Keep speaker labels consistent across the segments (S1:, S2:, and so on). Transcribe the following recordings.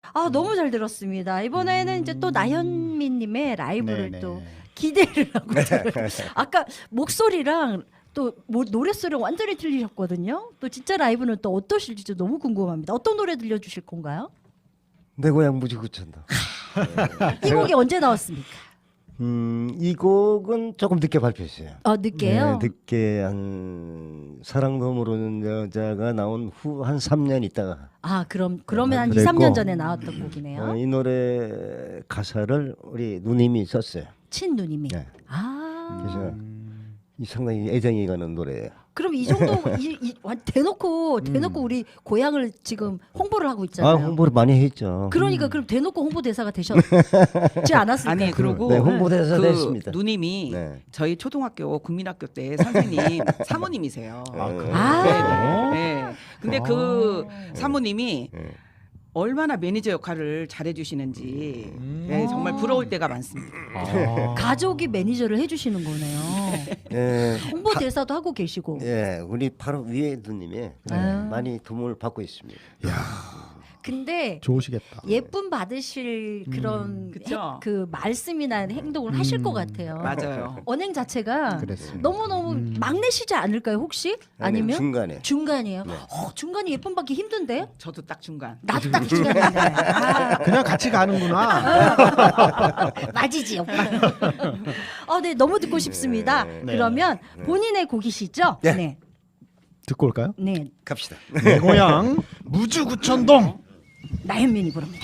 S1: 너무 잘 들었습니다. 이번에는 이제 또 나현미님의 라이브를
S2: 네네.
S1: 또 기대를 하고 들어요. 아까 목소리랑 또 노랫소리랑 완전히 틀리셨거든요. 또 진짜 라이브는 또 어떠실지 너무 궁금합니다. 어떤 노래 들려주실 건가요?
S3: 내 고향 무지구천도.
S1: 이 곡이 언제 나왔습니까?
S3: 이 곡은 조금 늦게 발표했어요.
S1: 늦게요?
S3: 네, 늦게 한 사랑도 모르는 여자가 나온 후 한 3년 있다가.
S1: 그러면 한 2,
S3: 그랬고,
S1: 3년 전에 나왔던 곡이네요.
S3: 이 노래 가사를 우리 누님이 썼어요.
S1: 친누님이.
S3: 네. 그래서 이 상당히 애정이 가는 노래예요.
S1: 그럼 이 정도 대놓고 우리 고향을 지금 홍보를 하고 있잖아요.
S3: 홍보를 많이 했죠.
S1: 그러니까 그럼 대놓고 홍보 대사가 되셨지 않았을까요?
S4: 아니 그리고
S3: 네, 홍보대사
S4: 그
S3: 됐습니다.
S4: 누님이
S3: 네.
S4: 저희 초등학교 국민학교 때 선생님 사모님이세요.
S1: 아.
S4: 네. 근데 그 사모님이 얼마나 매니저 역할을 잘해주시는지 정말 부러울 때가 많습니다.
S1: 가족이 매니저를 해주시는 거네요.
S3: 예,
S1: 홍보 대사도 하고 계시고.
S3: 예, 우리 바로 위에 누님이 많이 도움을 받고 있습니다.
S1: 근데
S2: 좋으시겠다.
S1: 예쁨 받으실 그런
S4: 그쵸?
S1: 그 말씀이나 행동을 하실 것 같아요.
S4: 맞아요.
S1: 언행 자체가
S2: 그랬습니다.
S1: 너무너무 막내시지 않을까요 혹시? 아니면
S3: 중간에.
S1: 중간이에요? 중간이 예쁨 받기 힘든데?
S4: 저도 딱 중간.
S1: 나도 딱 중간인데.
S2: 그냥 같이 가는구나.
S1: 맞이지 오빠. 네 너무 듣고 싶습니다.
S2: 네.
S1: 그러면 본인의 곡이시죠?
S3: 네.
S1: 네.
S2: 듣고 올까요?
S1: 네.
S3: 갑시다.
S2: 내 고향 무주구천동.
S1: 나현민이 부릅니다.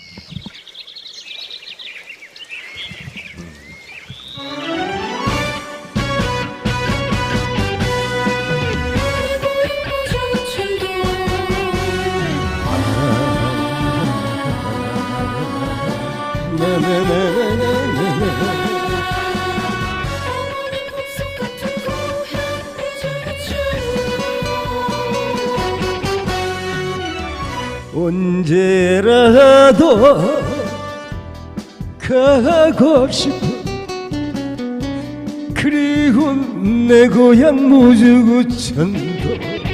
S3: 언제라도 가고 싶어. 그리고 내 고향 무주구천도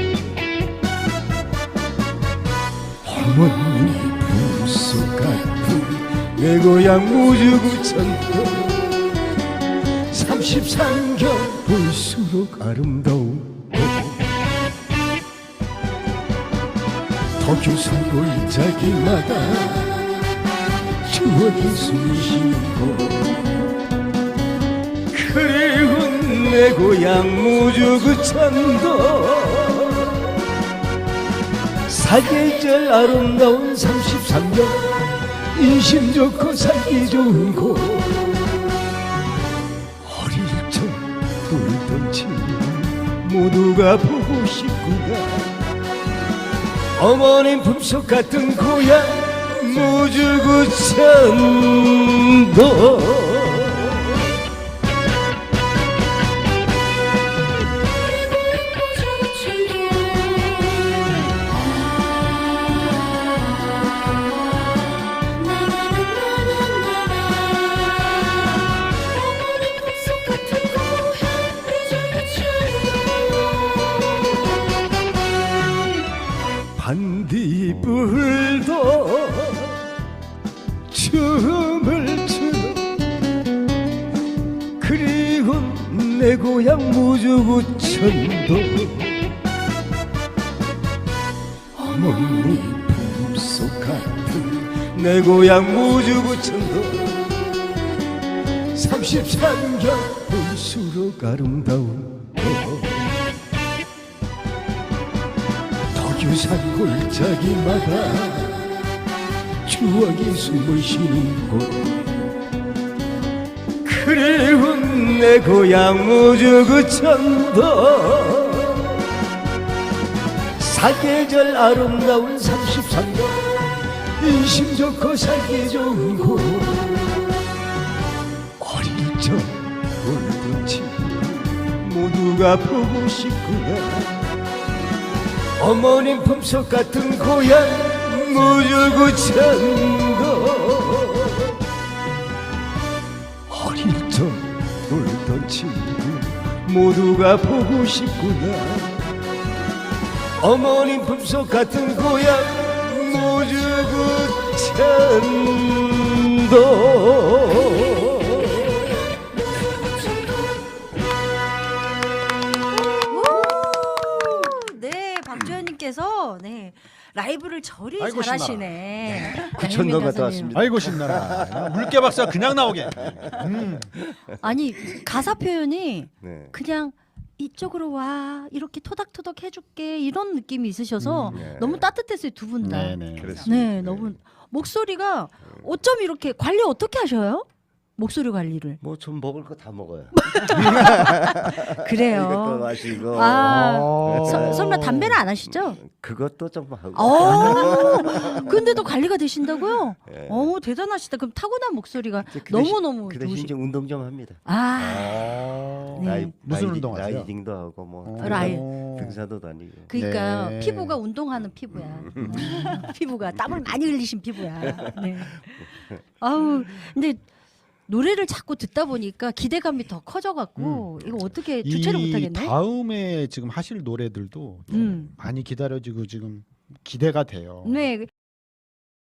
S3: 어머니 품속 같은 내 고향 무주구천도 33경 볼수록 아름다운 도교산 골짜기마다 추억이 숨쉬고 그리고 내 고향 무주구천도 사계절 아름다운 33년 인심 좋고 살기 좋은 곳 어릴 적 놀던 친구 모두가 보고 싶구나. 어머님 품속 같은 고향 무주구천도 반딧불도 춤을 추고 그리고 내 고향 무주구천도 어머니 품속 같은 내 고향 무주구천도 33경 볼수록 아름다운 도교산 골짜기마다 추억이 숨을 쉬는 곳 그리고 내 고향 무주구천도 사계절 아름다운 33년 인심 좋고 살기 좋은 곳 어릴 적 놀던 친구 모두가 보고 싶구나. 어머님 품속 같은 고향 무주구천도 어릴 적 놀던 친구 모두가 보고 싶구나. 어머님 품속 같은 고향 무주구천도
S1: 네, 박주현님께서 네 라이브를 저리
S2: 아이고,
S1: 잘하시네.
S3: 구천동
S1: 양현민
S3: 갔다
S1: 가수님.
S3: 왔습니다.
S2: 아이고 신나라. 물개 박사 그냥 나오게.
S1: 아니 가사 표현이
S3: 네.
S1: 그냥 이쪽으로 와 이렇게 토닥토닥 해줄게 이런 느낌이 있으셔서
S3: 네.
S1: 너무 따뜻했어요 두 분 다.
S2: 네네.
S3: 그렇습니다.
S1: 네, 너무 목소리가 어쩜 이렇게 관리 어떻게 하셔요? 목소리 관리를.
S3: 뭐 좀 먹을 거 다 먹어요. 이것도
S1: 그래요.
S3: 마시고
S1: 아,
S2: 어.
S1: 설마 담배는 안 하시죠?
S3: 그것도 좀 하고.
S1: 근데도 관리가 되신다고요?
S3: 예.
S1: 대단하시다. 그럼 타고난 목소리가
S3: 그
S1: 너무 너무
S3: 그 대신
S1: 좋으시.
S3: 이제 운동 좀 합니다.
S1: 아, 네.
S2: 무슨 운동하세요?
S3: 라이딩도 하고 뭐 등산도 다니고.
S1: 그러니까
S2: 네.
S1: 피부가 운동하는 피부야. 피부가 땀을 많이 흘리신 피부야. 네. 아우, 근데 노래를 자꾸 듣다 보니까 기대감이 더 커져갖고 이거 어떻게 주체를
S2: 이
S1: 못하겠네.
S2: 다음에 지금 하실 노래들도 좀 많이 기다려지고 지금 기대가 돼요.
S1: 네.